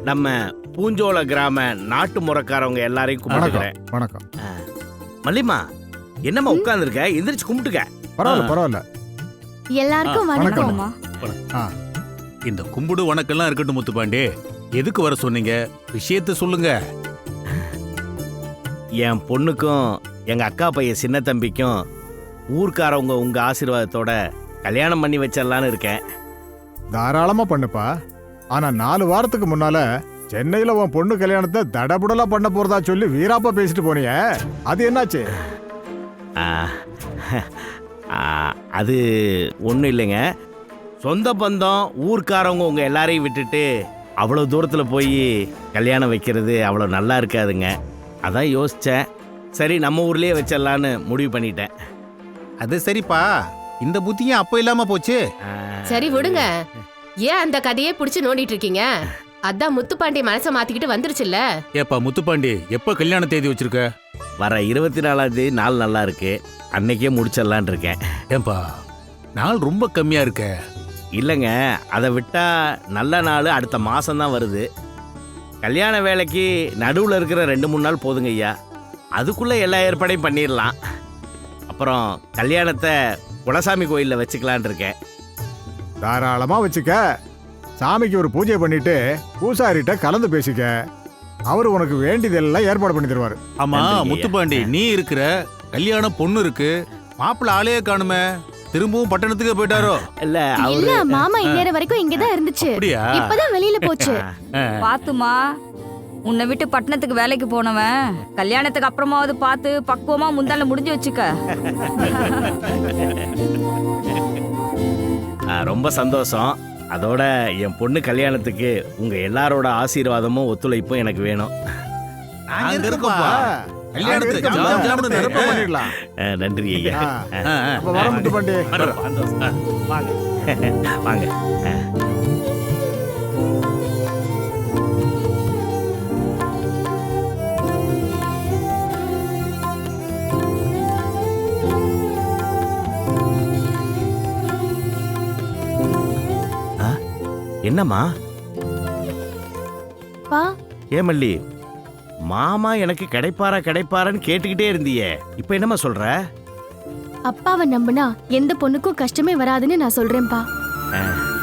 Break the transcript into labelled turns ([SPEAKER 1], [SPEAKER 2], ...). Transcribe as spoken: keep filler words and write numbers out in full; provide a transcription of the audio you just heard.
[SPEAKER 1] நம்ம பூஞ்சோல கிராம நாட்டு முறக்காரவங்க எல்லாரையும் கும்பிட்டுக்கிறேன்.
[SPEAKER 2] வணக்கம்.
[SPEAKER 1] மல்லிமா, என்னம்மா உட்கார்ந்துருக்க? எந்திரிச்சு கும்பிட்டுக்க.
[SPEAKER 2] பரவாயில்ல பரவாயில்ல.
[SPEAKER 3] எல்லாருக்கும் வணக்கம்.
[SPEAKER 4] இந்த கும்பிடு வணக்கம்லாம் இருக்கட்டும் முத்துப்பாண்டி, எதுக்கு வர சொன்னீங்க? விஷயத்த சொல்லுங்க.
[SPEAKER 1] என் பொண்ணுக்கும் எங்க அக்கா பையன் சின்ன தம்பிக்கும் ஊர்க்காரவங்க உங்க ஆசீர்வாதத்தோட கல்யாணம் பண்ணி வச்சிடலான்னு இருக்கேன்.
[SPEAKER 2] தாராளமா பண்ணுப்பா. ஆனா நாலு வாரத்துக்கு முன்னால சென்னையில உன் பொண்ணு கல்யாணத்தை தடபுடலா பண்ண போறதா சொல்லி வீராப்பா பேசிட்டு போனிய, அது என்னாச்சு?
[SPEAKER 1] ஆ, ஆ, அது ஒன்றும் இல்லைங்க. சொந்த பந்தம் ஊர்க்காரவங்க உங்க எல்லாரையும் விட்டுட்டு அவ்வளோ தூரத்தில் போய் கல்யாணம் வைக்கிறது அவ்வளோ நல்லா இருக்காதுங்க. அதான் யோசித்தேன். சரி, நம்ம ஊர்லேயே வச்சிடலான்னு முடிவு பண்ணிட்டேன்.
[SPEAKER 4] அது சரிப்பா, இந்த புத்தியும் அப்ப இல்லாம போச்சு.
[SPEAKER 5] சரி விடுங்க. ஏன் அந்த கதையே புடிச்சு நோண்டிட்டு இருக்கீங்க? அதான் முத்துப்பாண்டி மனசை மாத்திக்கிட்டு வந்துருச்சுல்ல.
[SPEAKER 4] ஏப்பா முத்துப்பாண்டி, எப்ப கல்யாண தேதி வச்சிருக்க?
[SPEAKER 1] வர இருபத்தி நாலாம் தேதி நாள் நல்லா இருக்கு, அன்னைக்கே முடிச்சிடலான் இருக்கேன்.
[SPEAKER 4] ஏன்பா நாள் ரொம்ப கம்மியா இருக்க?
[SPEAKER 1] இல்லைங்க, அதை விட்டா நல்ல நாள் அடுத்த மாசம்தான் வருது. கல்யாண வேலைக்கு நடுவில் இருக்கிற ரெண்டு மூணு நாள் போதுங்க ஐயா. அதுக்குள்ளே எல்லா ஏற்பாடையும் பண்ணிடலாம். அப்புறம் கல்யாணத்தை குலசாமி கோயிலில் வச்சுக்கலான் இருக்கேன்.
[SPEAKER 2] தாராளமா வச்சுக்க. சாமிக்கு ஒரு பூஜை பண்ணிட்டு பூசாரிட்ட கலந்து பேசிக்க. அவரு உனக்கு வேண்டியதெல்லாம் ஏற்பாடு பண்ணி தருவாரு.
[SPEAKER 4] ஆமா
[SPEAKER 1] நன்றிங்க.
[SPEAKER 4] முத்துப்பாண்டி, நீ இருக்கிற கல்யாணம் பொண்ணு இருக்கு, மாப்பிள்ள ஆளையே காணுமே, திரும்பவும் பட்டணத்துக்கு போயிட்டாரோ?
[SPEAKER 1] இல்ல
[SPEAKER 3] இல்ல,
[SPEAKER 1] அவரு
[SPEAKER 3] மாமா இந்நேரம் வரைக்கும் இங்கதான் இருந்துச்சு.
[SPEAKER 4] அப்படியா?
[SPEAKER 3] இப்பதான் வெளியில போச்சு.
[SPEAKER 6] பாத்துமா, உன்னை விட்டு பட்டணத்துக்கு வேலைக்கு போனவன் கல்யாணத்துக்கு அப்புறமாவது பார்த்து பக்குவமா முந்தால முடிஞ்சு வச்சுக்க.
[SPEAKER 1] ஆ, ரொம்ப சந்தோஷம். அதோட என் பொண்ணு கல்யாணத்துக்கு உங்க எல்லாரோட ஆசீர்வாதமும் ஒத்துழைப்பும் எனக்கு வேணும்.
[SPEAKER 4] நாங்க இருக்கோம்ப்பா. கல்யாணத்துக்கு
[SPEAKER 2] நாங்க
[SPEAKER 4] ஜாம்
[SPEAKER 2] இருக்கோம்.
[SPEAKER 4] ஜாம்னு
[SPEAKER 2] சிறப்பா
[SPEAKER 4] நடப்ப
[SPEAKER 2] பண்ணிடலாம்.
[SPEAKER 1] ஆ, நன்றி ஐயா.
[SPEAKER 2] ஆ,
[SPEAKER 4] ஆ, ஆ.
[SPEAKER 2] அப்ப வர முத்துப்பாண்டி.
[SPEAKER 1] சந்தோஷம். வாங்க வாங்க. ஆ. ஆ, என்னம்மா?
[SPEAKER 3] பா,
[SPEAKER 1] ஏமல்லி, மாமா எனக்கு கிடைப்பாரா கிடைப்பாரான்னு கேட்டுக்கிட்டே இருந்தியே, இப்ப என்னம்மா சொல்ற?
[SPEAKER 3] அப்பாவை நம்புனா எந்த பொண்ணுக்கும் கஷ்டமே வராதுன்னு நான் சொல்றேன்பா.
[SPEAKER 1] ஆ,